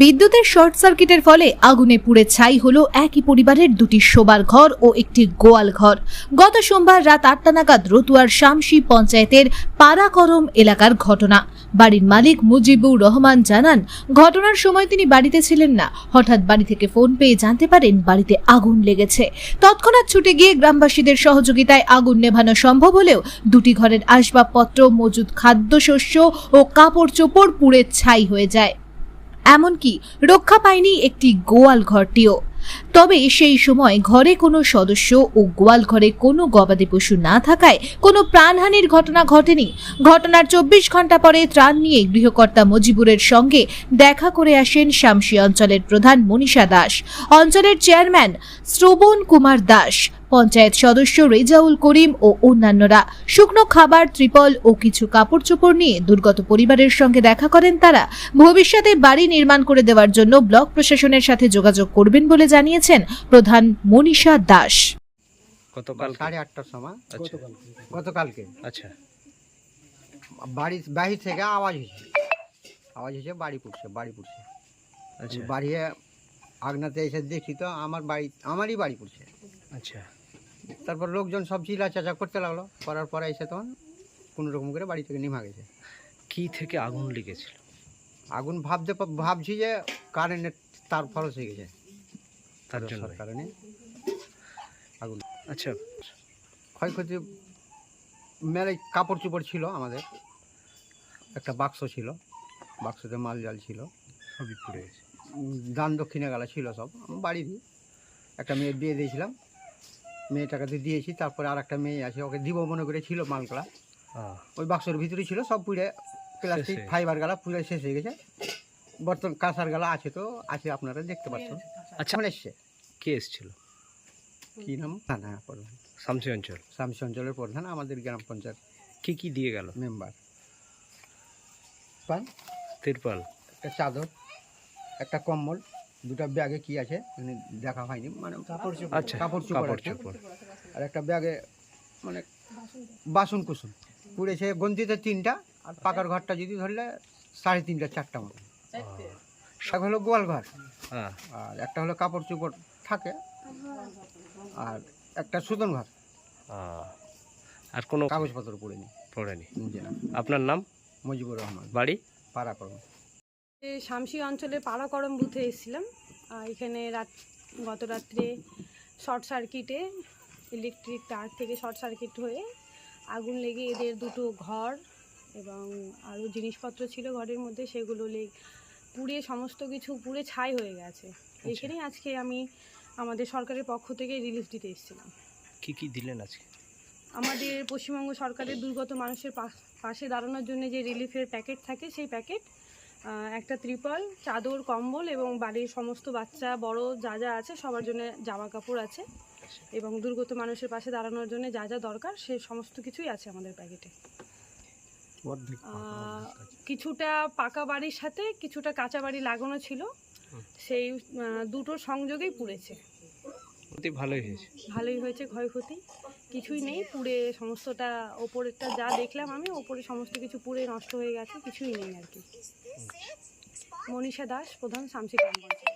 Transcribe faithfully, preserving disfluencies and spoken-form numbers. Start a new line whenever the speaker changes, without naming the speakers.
বিদ্যুতের শর্ট সার্কিটের ফলে আগুনে পুড়ে ছাই হলো একই পরিবারের দুটি শোবার ঘর ও একটি গোয়াল ঘর। গত সোমবার রাত আটটা নাগাদ রতুয়ার শামসি পঞ্চায়েতের পাড়াকরম এলাকার ঘটনা। বাড়ির মালিক মুজিবুর রহমান জানান, ঘটনার সময় তিনি বাড়িতে ছিলেন না। হঠাৎ বাড়ি থেকে ফোন পেয়ে জানতে পারেন বাড়িতে আগুন লেগেছে। তৎক্ষণাৎ ছুটে গিয়ে গ্রামবাসীদের সহযোগিতায় আগুন নেভানো সম্ভব হলেও দুটি ঘরের আসবাবপত্র, মজুদ খাদ্যশস্য ও কাপড় চোপড় পুড়ে ছাই হয়ে যায়। এমনকি রক্ষা পায়নি একটি গোয়াল ঘরটিও। তবে সেই সময় ঘরে কোনো সদস্য ও গোয়াল ঘরে কোনো গবাদি পশু না থাকায় কোনো প্রাণহানির ঘটনা ঘটেনি। ঘটনার চব্বিশ ঘন্টা পরে ত্রাণ নিয়ে গৃহকর্তা মজিবুরের সঙ্গে দেখা করে আসেন শামসি অঞ্চলের প্রধান মনীষা দাস, অঞ্চলের চেয়ারম্যান শ্রবণ কুমার দাস, পঞ্চায়েত সদস্য রেজাউল করিম ও অন্যান্যরা। শুকনো খাবার, ত্রিপল ও কিছু কাপড় চোপড় নিয়ে দুর্গত পরিবারের সঙ্গে দেখা করেন তারা। ভবিষ্যতে বাড়ি নির্মাণ করে দেওয়ার জন্য ব্লক প্রশাসনের সাথে যোগাযোগ করবেন বলে জানিয়েছেন প্রধান মনীষা দাস।
গতকাল
সাড়ে আটটার সময় গতকালকে
আচ্ছা
বাড়ি বাহির থেকে আওয়াজ হয়েছে আওয়াজ হয়েছে বাড়ি পুড়ছে বাড়ি পুড়ছে
আচ্ছা
বাড়ি আগনাতে এসে দেখি তো আমার বাড়ি আমারই বাড়ি পুড়ছে।
আচ্ছা
তারপর লোকজন সব চিল্লা চাচা করতে লাগলো, করার পরে এসে তখন কোনো রকম করে বাড়ি থেকে নিভা গেছে।
কি থেকে আগুন লেগেছিল?
আগুন ভাবতে ভাবছি যে কারেন্টের তার ফলস হয়ে গেছে,
তার জন্য
কারণে আগুন।
আচ্ছা,
ক্ষয়ক্ষতি মেলে কাপড় চোপড় ছিল, আমাদের একটা বাক্স ছিল, বাক্সতে মাল জাল ছিল,
সবই পুড়ে গেছে।
দান দক্ষিণে গেলা ছিল সব। বাড়ির একটা মেয়ের বিয়ে দিয়েছিলাম, মেয়েটাকে তো দিয়েছি। তারপরে আর একটা মেয়ে আছে, ওকে দিব মনে করে ছিল মালগুলা, ওই বাক্সের ভিতরে ছিল, সব পুড়ে প্লাস্টিক ফাইবার গালা পুড়ে শেষ হয়ে গেছে। বর্তমান কাঁসার গালা আছে তো আছে, আপনারা দেখতে পাচ্ছেন।
আচ্ছা,
এসছে
কে এসেছিল?
কি নাম? থানা প্রধান,
শামসি অঞ্চল।
শামসি অঞ্চলের প্রধান, আমাদের গ্রাম পঞ্চায়েত
কি কি দিয়ে গেল?
মেম্বার পান,
তিরপাল,
একটা চাদর, একটা কম্বল, দুটা ব্যাগে কি আছে মানে দেখা হয়নি, মানে কাপড় চোপড়,
আচ্ছা
কাপড়
কাপড়
চোপড়,
চোপড়,
আর একটা ব্যাগে মানে বাসন কুসুম পুড়েছে। গন্তিতে তিনটা, আর পাকার ঘরটা যদি ধরলে সাড়ে তিনটা চারটা মতো। এক হলো গোয়াল ঘর,
হ্যাঁ,
আর একটা হলো কাপড় চোপড় থাকে, আর একটা সুতন ঘর।
আর কোনো
কাগজপত্র পড়েনি
পড়েনি।
জি না।
আপনার নাম?
মুজিবুর রহমান,
বাড়ি
পাড়াকরম।
শামসি অঞ্চলের পাড়াকরম বুথে এসেছিলাম। এখানে রাত গত রাত্রে শর্ট সার্কিটে ইলেকট্রিক তার থেকে শর্ট সার্কিট হয়ে আগুন লেগে এদের দুটো ঘর এবং আরও জিনিসপত্র ছিল ঘরের মধ্যে, সেগুলো লেগ পুড়ে সমস্ত কিছু পুড়ে ছাই হয়ে গেছে। এখানেই আজকে আমি আমাদের সরকারের পক্ষ থেকে রিলিফ দিতে এসেছিলাম।
কি কি দিলেন আজকে?
আমাদের পশ্চিমবঙ্গ সরকারের দুর্গত মানুষের পাশে দাঁড়ানোর জন্য যে রিলিফের প্যাকেট থাকে, সেই প্যাকেট, একটা ত্রিপল, চাদর, কম্বল এবং বাড়ির সমস্ত বাচ্চা বড় যা যা আছে সবার জন্য জামা কাপড় আছে, এবং দুর্গত মানুষের পাশে দাঁড়ানোর জন্য যা যা দরকার সে সমস্ত কিছুই আছে আমাদের প্যাকেটে। কিছুটা পাকা বাড়ির সাথে কিছুটা কাঁচা বাড়ি লাগানো ছিল, সেই দুটোর সংযোগেই পুড়েছে।
ভালোই হয়েছে,
ভালোই হয়েছে, ক্ষয়ক্ষতি কিছুই নেই। পুড়ে সমস্তটা ওপরেরটা যা দেখলাম আমি, ওপরে সমস্ত কিছু পুড়ে নষ্ট হয়ে গেছে, কিছুই নেই আর কি। মনীষা দাস, প্রধান, শামসি গ্রাম পঞ্চায়েত।